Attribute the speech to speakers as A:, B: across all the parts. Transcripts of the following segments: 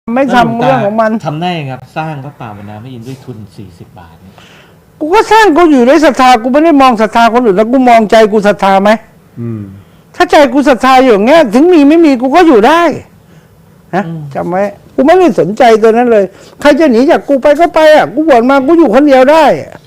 A: ไม่ทำเรื่องของมัน
B: ทำได้ครับสร้างพระป่าวนาพระอินทร์ด้วยทุน40 บาทเนี่ย
A: กูก็สร้างกูอยู่ด้วยศรัทธากูไม่ได้มองศรัทธาคนอื่นแล้วกูมองใจกูศรัทธาไหมถ้าใจกูศรัทธาอยู่อย่างเงี้ยถึงมีไม่มีกูก็อยู่ได้นะจำไว้กูไม่ได้สนใจตัวนั้นเลยใครจะหนีจากกูไปก็ไปอ่ะกูบวชมากูอยู่คนเดียวได้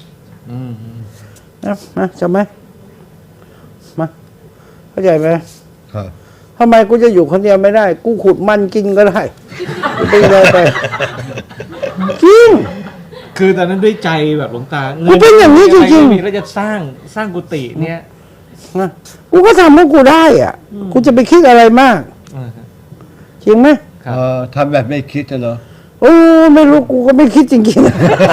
A: นะมาจำไหมมาเข้าใจไหม
C: ครับ
A: ทำไมกูจะอยู่คนเดียวไม่ได้ กูขุดมันกินก็ได้ไปเลยไปจริง
B: คือตอนนั้นด้วยใจแบบหลวงตา
A: กูเป็นอย่างนี้จริง
B: ๆแล้วจะสร้างกุฏิเนี่ย
A: นะกูก็ทำให้กูได้อ่ะกูจะไปคิดอะไรมากจริงไหม
C: ทำแบบไม่คิดเหรอ
A: โอ้ไม่รู้กูก็ไม่คิดจริง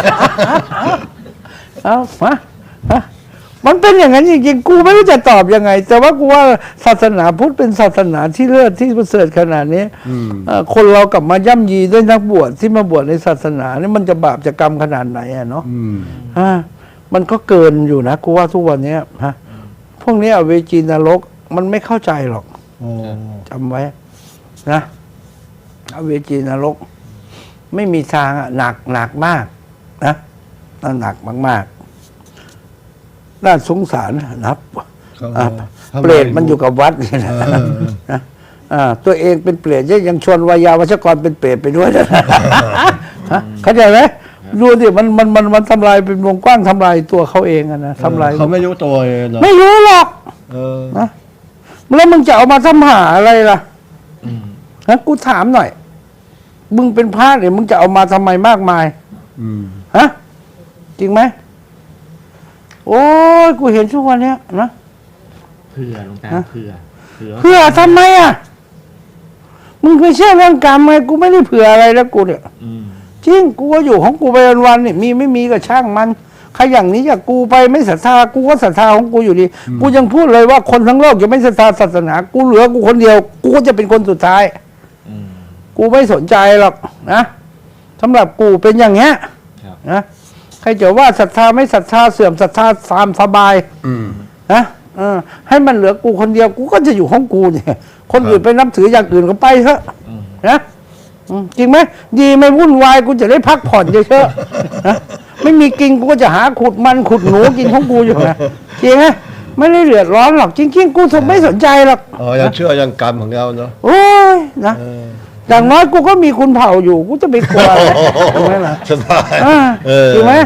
A: ๆเอามามันเป็นอย่างนั้นจริงๆกูไม่รู้จะตอบยังไง แต่ว่ากูว่าศาสนาพุทธเป็นศาสนาที่เลิศที่ประเสริฐขนาดนี้คนเรากลับมาย่ำยีด้วยนักบวชที่มาบวชในศาสนานี่มันจะบาปจะกรรมขนาดไหนอะเนาะมันก็เกินอยู่นะกูว่าทุกวันนี้ฮะพวกนี้อเวจีนรกมันไม่เข้าใจหรอกจำไว้นะอเวจีนรกไม่มีทางหนักมากนะหนักมากน่าสงสารนะเปรตมันอยู่กับวัดนี่นะตัวเองเป็นเปรตยังชวนวายาวัชกรเป็นเปรตไปด้วยนะเข้าใจไหมดูดิมันทำลายเป็นวงกว้างทำลายตัวเขาเองนะทำลาย
C: เขาไม่รู้ตัวเลยหรอ
A: ไม่รู้หรอกนะแล้วมึงจะเอามาทำหาอะไรล่ะฮะกูถามหน่อยมึงเป็นพระเนี่ยมึงจะเอามาทำไมมากมายฮะจริงไหมโอ้ยกูเห็นทุกวันเนี้ยนะ
B: เผื่อหลวงตาเ
A: ผื่อทำไมอ่ะมึงไม่เชื่อเรื่องกรรมไงกูไม่ได้เผื่ออะไรแล้วกูเนี่ยจริงกูก็อยู่ของกูไปวันๆเนี่ยมีไม่มีก็ช่างมันใครอย่างนี้จากกูไปไม่ศรัทธากูก็ศรัทธาของกูอยู่ดีกูยังพูดเลยว่าคนทั้งโลกจะไม่ศรัทธาศาสนากูเหลือกูคนเดียวกูก็จะเป็นคนสุดท้ายกูไม่สนใจหรอกนะสำหรับกูเป็นอย่างเงี้ยนะใครจะว่าศรัทธาไม่ศรัทธาเสื่อมศรัทธาตามสบายนะให้มันเหลือกูคนเดียวกูก็จะอยู่ของกูเนี่ยคนอื่นไปนับถืออย่างอื่นก็ไปเถอะนะจริงไหมดีไม่วุ่นวายกูจะได้พักผ่อนเยอะๆนะไม่มีกินกูก็จะหาขุดมันขุดหนูกินของกูอยู่นะจริงไหมไม่ได้เดือดร้อนหรอกจริงๆกูไม่สนใจหรอก
C: ยังเชื่อยังกรรมของเราเนาะ
A: โอ้ยนะอย่างน้อยกูก็มีคุณเผ่าอยู่กูจะไปกลัวอะไรถูกไหมล่ะ
C: สบาย
A: ถูกไหม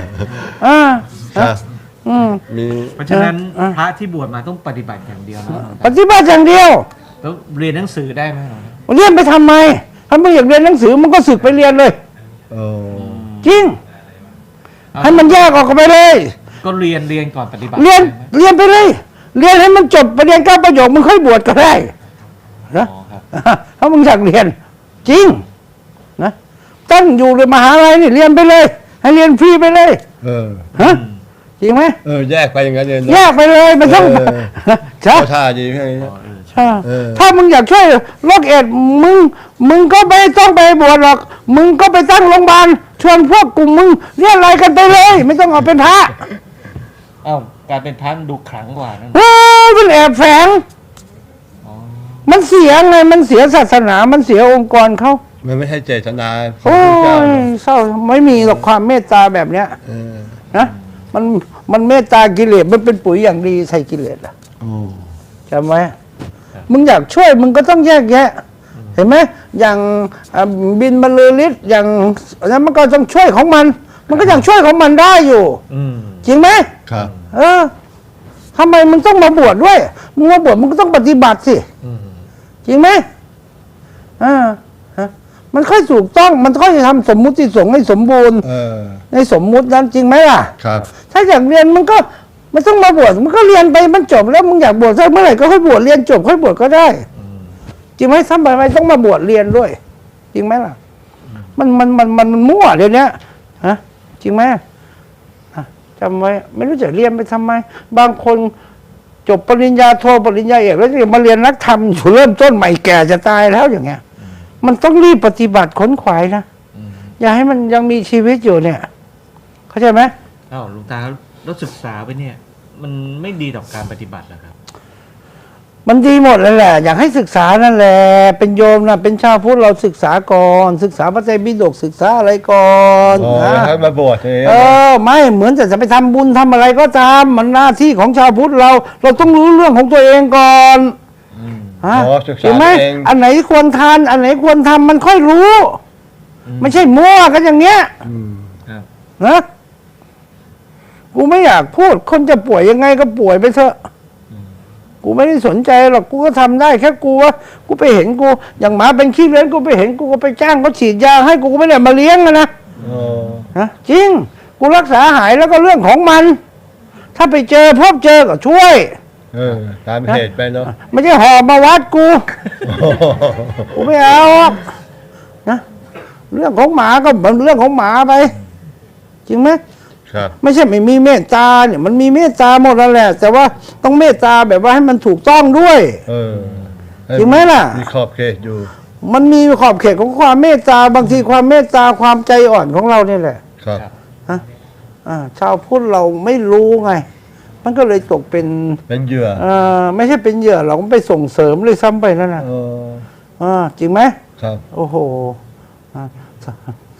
B: เพราะฉะนั้นพระที่บวชมาต้องปฏิบัติอย่างเดียวนะ
A: ปฏิบัติอย่างเดียว
B: แล้วเรียนหนังสือได้ไหม
A: เรียนไปทำไมถ้าไม่อยากเรียนหนังสือมันก็สึกไปเรียนเลยจริงให้มันแยกออกไปเลย
B: ก็เรียนก่อนปฏิบัติ
A: เรียนไปเลยเรียนให้มันจบประเด็น9 ประโยคมึงค่อยบวชก็ได้นะถ้ามึงอยากเรียนจริงนะตั้งอยู่ในมหาลัยนี่เรียนไปเลยให้เรียนฟรีไปเลยฮะจริงไหม
C: แยกไปอย่างนั้นเลย
A: แยกไปเลยมันต้อง
C: ใช่ท่าดีให้
A: ถ้ามึงอยากช่วยโรคเอดส์มึงก็ไม่ต้องไปบวชหรอกมึงก็ไปตั้งโรงพยาบาลชวนพวกกลุ่มมึงเรียกอะไรกันไปเลยไม่ต้องเอาเป็นพระ
B: การเป็นพระดูขลังกว่านั่น
A: มันแอบแฝงมันเสียไงมันเสียศาสนามันเสียองค์กรเขา
C: มันไม่ใช่เจตนา
A: โอ้ยเศร้าไม่มีหรอกความเมตตาแบบเนี้ยนะมันเมตตากิเลสมันเป็นปุ๋ยอย่างดีใส่กิเลสอ่ะจำไว้มึงอยากช่วยมึงก็ต้องแยกแยะเห็นไหมอย่างบินบรรลือฤทธิ์อย่างนั้นมันก็ต้องช่วยของมันก็ยังช่วยของมันได้อยู่จริงไหม
C: ครับ
A: ทำไมมึงต้องมาบวชด้วยมึงมาบวชมึงก็ต้องปฏิบัติสิจริงไหมมันค่อยถูกต้องมันค่อยทำสมมุติสงฆ์ให้สมบูรณ์ในสมมุตินั้นจริงไหมล่ะ
C: ครับ
A: ถ้าอยากเรียนมันก็ไม่ต้องมาบวชมันก็เรียนไปมันจบแล้วมึงอยากบวชสักเมื่อไหร่ก็ค่อยบวชเรียนจบค่อยบวชก็ได้จริงไหมทำไมต้องมาบวชเรียนด้วยจริงไหมล่ะมันมั่วเดี๋ยวนี้ฮะจริงไหมจำไว้ไม่รู้จะเรียนไปทำไมบางคนจบปริญญาโทปริญญาเอกแล้วจะมาเรียนนักธรรมอยู่เริ่มต้นใหม่แก่จะตายแล้วอย่างเงี้ยมันต้องรีบปฏิบัติขนขวายนะอย่าให้มันยังมีชีวิตอยู่เนี่ยเข้าใจไหม
B: หลวงตาแล้วศึกษาไปเนี่ยมันไม่ดีต่อการปฏิบัติหรอครับ
A: มันดีหมดเลยแหละ อยากให้ศึกษานั่นแหละเป็นโยมนะเป็นชาวพุทธเราศึกษาก่อน ศึกษาพระไตรปิฎกศึกษาอะไรก่อน
C: อ๋อ
A: นะ
C: ให้มาบวชเอง
A: ไม่เหมือนจะไปทำบุญทำอะไรก็ตามมันหน้าที่ของชาวพุทธเราต้องรู้เรื่องของตัวเองก่อนฮะ
C: อ๋อศึกษา
A: เห็นไหม
C: เอง
A: อันไหนควรทานอันไหนควรทำมันค่อยรู้ ไม่ใช่มั่วกันอย่างเงี้ย
B: ครับ
A: นะกูไม่อยากพูดคนจะป่วยยังไงก็ป่วยไปเถอะกูไม่ได้สนใจหรอกกูก็ทำได้แค่กูว่ากูไปเห็นกูอย่างหมาเป็นขี้เลื้อนกูไปเห็นกูก็ไปจ้างเขาฉีดยาให้กูก็ไม่ได้มาเลี้ยงนะ
C: อ๋อ
A: นะจริงกูรักษาหายแล้วก็เรื่องของมัน ถ้าไปเจอพบเจอก็ช่วย
C: ตามเหตุไปเนาะ
A: ไม่ใช่หอบมาวัดกูกูไม่เอาหรอกนะเรื่องของหมาก็เป็นเรื่องของหมาไป จริงไหม
C: ครับ
A: ไม่ใช่ไม่มีเมตตาเนี่ยมันมีเมตตาหมดแล้วแหละ แต่ว่าต้องเมตตาแบบว่าให้มันถูกต้องด้วย จริงไหมล่ะ
C: มีขอบเขตอยู่
A: มันมีขอบเขตของความเมตตาบางทีความเมตตาความใจอ่อนของเราเนี่ยแหละ
C: ครับ
A: ชาวพุทธเราไม่รู้ไง มันก็เลยตกเป็น
C: เป็นเหยื่อ
A: ไม่ใช่เป็นเหยื่อหรอกมันไปส่งเสริมเลยซ้ำไปนั่นนะ
C: อ๋อ
A: จริงไหม
C: ครับ
A: โอ้โห